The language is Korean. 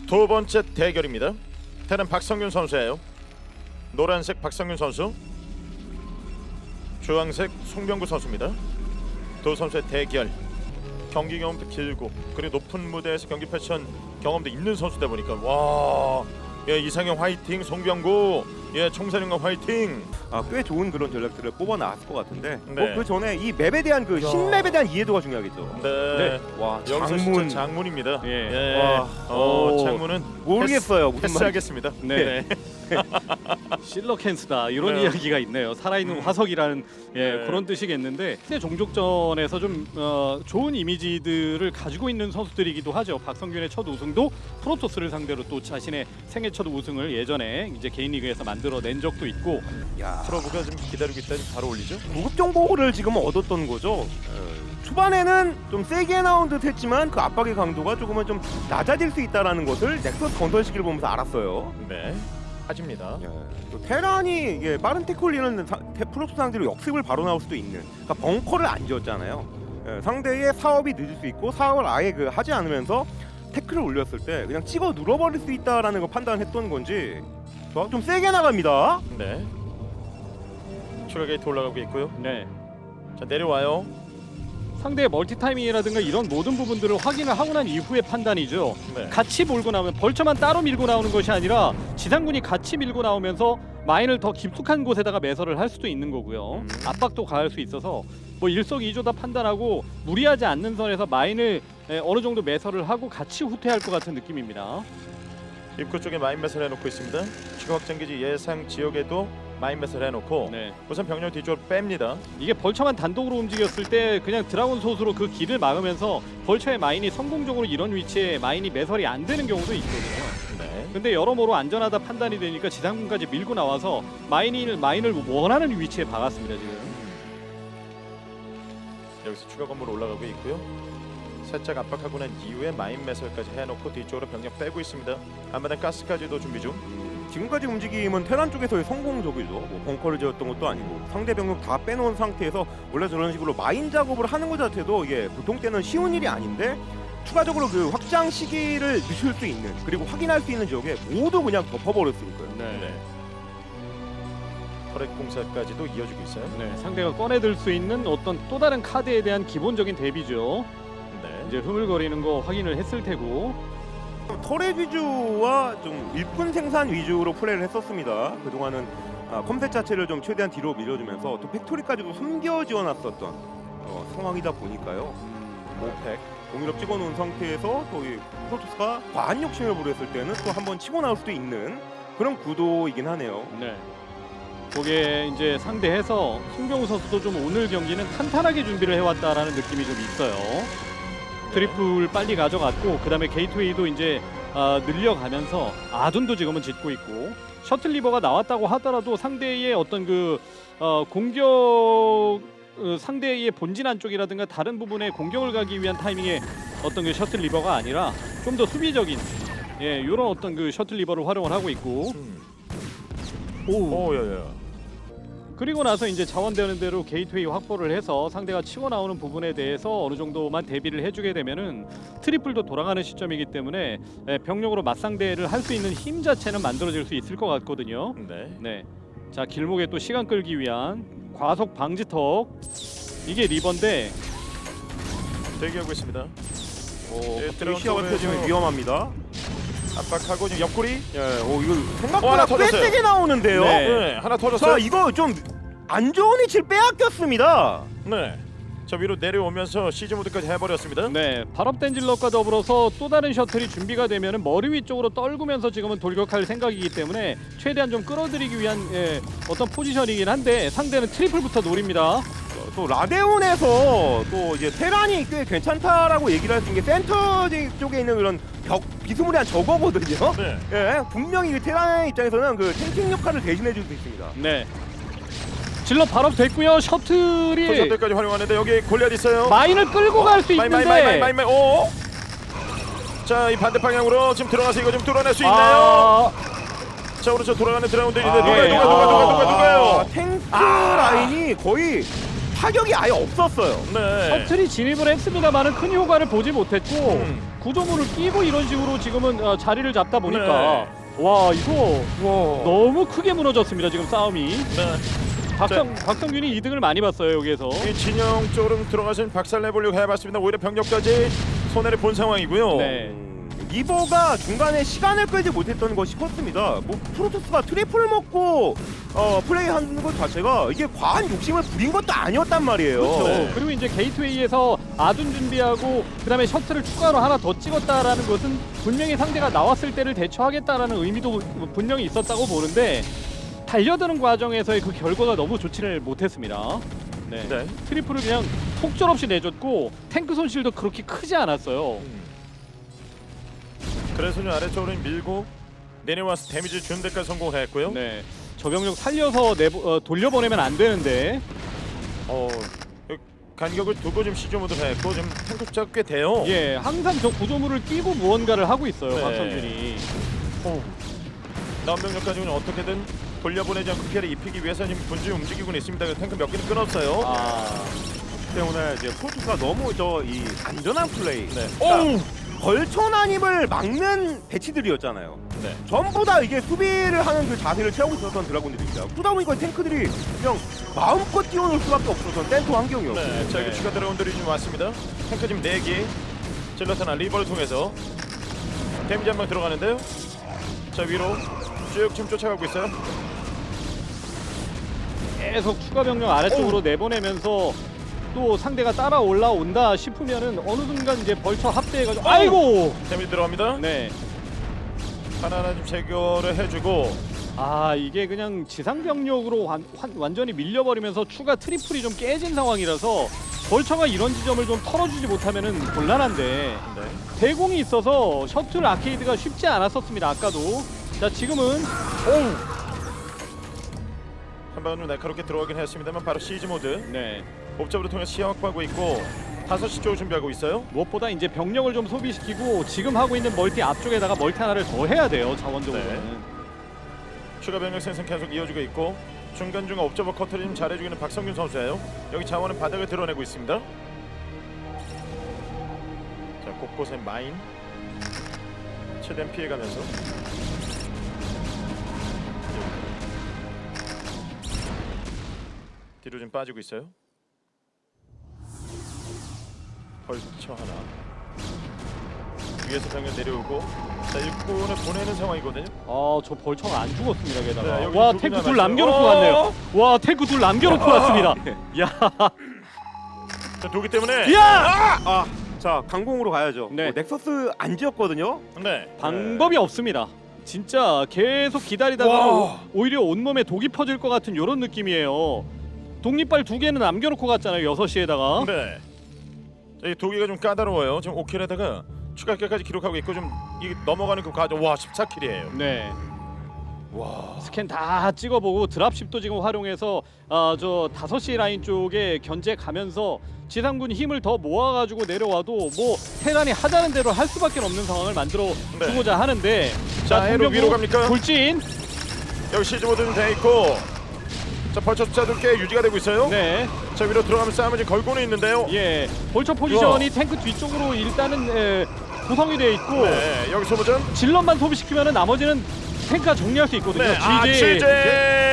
두 번째 대결입니다. 테란 박성균 선수예요. 노란색 박성균 선수, 주황색 송병구 선수입니다. 두 선수의 대결. 경기 경험도 길고 그리고 높은 무대에서 경기 패션 경험도 있는 선수다 보니까 와, 예, 이상형 화이팅, 송병구, 예, 총사령관 화이팅. 꽤 좋은 그런 전략들을 뽑아 나왔을 것 같은데 네. 그 전에 이 맵에 대한 그 신맵에 대한 이해도가 중요하겠죠. 네. 와, 여기서 장문 진짜 장문입니다. 예. 예. 와. 장문은 모르겠어요. 무슨 말인지. 패스하겠습니다. 네. 실러캔스다 이런 네. 이야기가 있네요. 살아있는 화석이라는 네. 그런 뜻이겠는데 새 종족전에서 좀 좋은 이미지들을 가지고 있는 선수들이기도 하죠. 박성균의 첫 우승도 프로토스를 상대로 또 자신의 생애 첫 우승을 예전에 이제 개인 리그에서 만들어낸 적도 있고. 야, 프로브가 좀 기다리고 있다. 바로 올리죠. 구급 정보를 지금 얻었던 거죠. 초반에는 좀 세게 나온 듯 했지만 그 압박의 강도가 조금은 좀 낮아질 수 있다는 것을 넥서스 건설시기를 보면서 알았어요. 네. 빠집니다. 또 테란이 이게 빠른 태클리는 프로토스 상대로 역습을 바로 나올 수도 있는, 그러니까 벙커를 안 지었잖아요. 상대의 사업이 늦을 수 있고 사업을 아예 하지 않으면서 태클을 올렸을 때 그냥 찍어 눌러버릴 수 있다라는 걸 판단했던 건지 좀 세게 나갑니다. 네. 추가 게이트 올라가고 있고요. 네. 자, 내려와요. 상대의 멀티타이밍이라든가 이런 모든 부분들을 확인을 하고 난 이후의 판단이죠. 네. 같이 몰고 나오면 벌처만 따로 밀고 나오는 것이 아니라 지상군이 같이 밀고 나오면서 마인을 더 깊숙한 곳에다가 매설을 할 수도 있는 거고요. 압박도 가할 수 있어서 뭐 일석이조다 판단하고 무리하지 않는 선에서 마인을 어느 정도 매설을 하고 같이 후퇴할 것 같은 느낌입니다. 입구 쪽에 마인맷을 해놓고 있습니다. 추가 확장기지 예상 지역에도 마인맷을 해놓고 네. 우선 병력 뒤쪽으로 뺍니다. 이게 벌처만 단독으로 움직였을 때 그냥 드라곤 솥으로 그 길을 막으면서 벌처의 마인이 성공적으로 이런 위치에 마인이 매설이 안 되는 경우도 있거든요. 네. 근데 여러모로 안전하다 판단이 되니까 지상군까지 밀고 나와서 마인을 원하는 위치에 박았습니다 지금. 여기서 추가 건물 올라가고 있고요. 살짝 압박하고 난 이후에 마인맷을까지 해놓고 뒤쪽으로 병력 빼고 있습니다. 앞마당 가스까지도 준비 중. 지금까지 움직임은 테란 쪽에서의 성공적이죠. 뭐 벙커를 지었던 것도 아니고 상대 병력 다 빼놓은 상태에서 원래 저런 식으로 마인 작업을 하는 것 자체도 이게 보통 때는 쉬운 일이 아닌데 추가적으로 그 확장 시기를 늦출 수 있는, 그리고 확인할 수 있는 지역에 모두 그냥 덮어버렸으니까요. 네. 터렛 공사까지도 이어지고 있어요. 네, 상대가 꺼내들 수 있는 어떤 또 다른 카드에 대한 기본적인 대비죠. 네. 이제 흐물거리는 거 확인을 했을 테고. 터렛 위주와 좀 일꾼 생산 위주로 플레이를 했었습니다. 그동안은 컴셋 자체를 좀 최대한 뒤로 밀어주면서 또 팩토리까지도 숨겨 지어놨었던 상황이다 보니까요. 오펙. 공일업 찍어놓은 상태에서 또 이 프로토스가 과한 욕심을 부렸을 때는 또 한번 치고 나올 수도 있는 그런 구도이긴 하네요. 네. 거기에 이제 상대해서 송병우 선수도 좀 오늘 경기는 탄탄하게 준비를 해왔다라는 느낌이 좀 있어요. 트리플 빨리 가져갔고 그 다음에 게이트웨이도 이제 늘려가면서 아둔도 지금은 짓고 있고 셔틀 리버가 나왔다고 하더라도 상대의 어떤 그 공격 상대의 본진 안쪽이라든가 다른 부분에 공격을 가기 위한 타이밍의 어떤 그 셔틀 리버가 아니라 좀 더 수비적인 이런 어떤 그 셔틀 리버를 활용을 하고 있고 오야야. 그리고 나서 이제 자원되는 대로 게이트웨이 확보를 해서 상대가 치고 나오는 부분에 대해서 어느 정도만 대비를 해주게 되면은 트리플도 돌아가는 시점이기 때문에 병력으로 맞상대를 할 수 있는 힘 자체는 만들어질 수 있을 것 같거든요. 네. 네. 자, 길목에 또 시간 끌기 위한 과속 방지턱. 이게 리버인데 대기하고 있습니다. 갑자기 시야가 펴지면 위험합니다. 압박하고 지금 옆구리. 이거 하나 생각보다 꽤 터졌어요. 세게 나오는데요. 네. 네. 하나 터졌어요. 자, 이거 좀 안 좋은 위치를 빼앗겼습니다. 네. 저 위로 내려오면서 시즈 모드까지 해버렸습니다. 네, 발업된 질럿과 더불어서 또 다른 셔틀이 준비가 되면은 머리 위쪽으로 떨구면서 지금은 돌격할 생각이기 때문에 최대한 좀 끌어들이기 위한 어떤 포지션이긴 한데 상대는 트리플부터 노립니다. 또 라데온에서 또 이제 테란이 꽤 괜찮다라고 얘기를 할 수 있는 게 센터 쪽에 있는 그런 비스무리한 저거거든요. 네. 예, 분명히 그 테란의 입장에서는 그 탱킹 역할을 대신해 줄 수 있습니다. 네. 질럿 발업됐고요. 셔틀이 포션들까지 활용하는데 여기 골리앗 있어요. 마인을 끌고 갈 수 있는데 마인. 오. 자, 이 반대 방향으로 지금 들어가서 이거 좀 뚫어낼 수 있나요? 자, 오른쪽 돌아가는 드라운드 있는데 누가요? 탱크 라인이 거의 타격이 아예 없었어요. 네. 셔틀이 진입을 했습니다만은 큰 효과를 보지 못했고 음. 구조물을 끼고 이런 식으로 지금은 자리를 잡다 보니까 와 이거 너무 크게 무너졌습니다. 지금 싸움이. 네. 박성균이 2등을 많이 봤어요 여기에서. 이 진영 쪽으로 들어가신 박살 내보려고 해봤습니다. 오히려 병력까지 손해를 본 상황이고요. 네. 리버가 중간에 시간을 끌지 못했던 것이 컸습니다. 뭐 프로토스가 트리플 먹고 플레이하는 것 자체가 이게 과한 욕심을 부린 것도 아니었단 말이에요. 그렇죠. 네. 그리고 이제 게이트웨이에서 아둔 준비하고 그다음에 셔틀을 추가로 하나 더 찍었다라는 것은 분명히 상대가 나왔을 때를 대처하겠다라는 의미도 분명히 있었다고 보는데 달려드는 과정에서의 그 결과가 너무 좋지를 못했습니다. 네. 네. 트리플을 그냥 속절없이 내줬고 탱크 손실도 그렇게 크지 않았어요. 그래서 좀 아래쪽으로 밀고 내려와서 데미지 주는 데까지 성공했고요. 네. 저 병력 살려서 돌려보내면 안 되는데. 간격을 두고 좀 시즈 모드 했고 지금 탱크 숫자가 꽤 돼요. 예, 항상 저 구조물을 끼고 무언가를 하고 있어요. 네. 박성준이. 남은 병력까지 그냥 어떻게든 돌려보내지 않고 피해를 입히기 위해서 지금 분주히 움직이고 있습니다. 탱크 몇 개는 끊었어요. 때문에 이제 프로토스가 너무 이 안전한 플레이. 네. 그러니까 걸쳐난입을 막는 배치들이었잖아요. 네. 전부 다 이게 수비를 하는 그 자세를 취하고 있었던 드라곤들입니다. 그러다 보니까 탱크들이 그냥 마음껏 뛰어놀 수밖에 없었던 센터 환경이었고. 네. 자, 이거 추가 드라운들이 좀 왔습니다. 탱크 지금 4개. 질러탄 리버를 통해서 데미지 한 방 들어가는데요. 자, 위로 쭉 지금 쫓아가고 있어요. 계속 추가 병력 아래쪽으로 내보내면서 또 상대가 따라 올라온다 싶으면은 어느 순간 이제 벌처 합대해가지고 아이고. 데미지 들어갑니다. 네. 하나하나 좀 제거를 해주고. 아 이게 그냥 지상 병력으로 완전히 밀려버리면서 추가 트리플이 좀 깨진 상황이라서 벌처가 이런 지점을 좀 털어주지 못하면은 곤란한데 네. 대공이 있어서 셔틀 아케이드가 쉽지 않았었습니다. 아까도. 자 지금은 한 방은 좀 날카롭게 들어가긴 했습니다만 바로 시즈 모드. 네. 옵잡으로 통해서 시야 확보하고 있고 5시 쪽을 준비하고 있어요. 무엇보다 이제 병력을 좀 소비시키고 지금 하고 있는 멀티 앞쪽에다가 멀티 하나를 더 해야 돼요. 자원적으로는. 네. 추가 병력 생성 계속 이어지고 있고 중간중간 옵저버 커트를 좀 잘해주고 있는 박성균 선수예요. 여기 자원은 바닥을 드러내고 있습니다. 자, 곳곳에 마인 최대한 피해가면서 뒤로 좀 빠지고 있어요. 벌쳐 하나 위에서 병력 내려오고 자, 일꾼을 보내는 상황이거든요. 저 벌처가 안 죽었습니다. 게다가 네, 여기 와 두 탱크 개나 둘 남았어요. 남겨놓고 왔네요. 와 탱크 둘 남겨놓고 왔습니다. 야, 자, 도기 때문에 야! 자 강공으로 가야죠. 네. 넥서스 안 지었거든요. 네. 방법이 없습니다. 진짜 계속 기다리다가 와. 오히려 온몸에 독이 퍼질 것 같은 이런 느낌이에요. 독립발 2개는 남겨놓고 갔잖아요. 6시에다가. 네. 자, 이 도기가 좀 까다로워요. 지금 5킬에다가 추가 킬까지 기록하고 있고 좀 이 넘어가는 그 과정 와 14킬이에요. 네. 와. 스캔 다 찍어보고 드랍십도 지금 활용해서 저 5시 라인 쪽에 견제 가면서 지상군 힘을 더 모아가지고 내려와도 뭐 테란이 하자는 대로 할 수밖에 없는 상황을 만들어 네. 주고자 하는데 자, 해로 위로 갑니까? 돌진. 여기 시즈 모드는 돼 있고 자, 벌처 숫자도 꽤 유지가 되고 있어요. 네. 자, 위로 들어가면 싸움을 지금 걸고는 있는데요. 예. 벌처 포지션이 탱크 뒤쪽으로 일단은 구성이 되어 있고 네. 여기 소모전. 질럿만 소비시키면은 나머지는 탱크가 정리할 수 있거든요. 네. 아, GJ. 취재.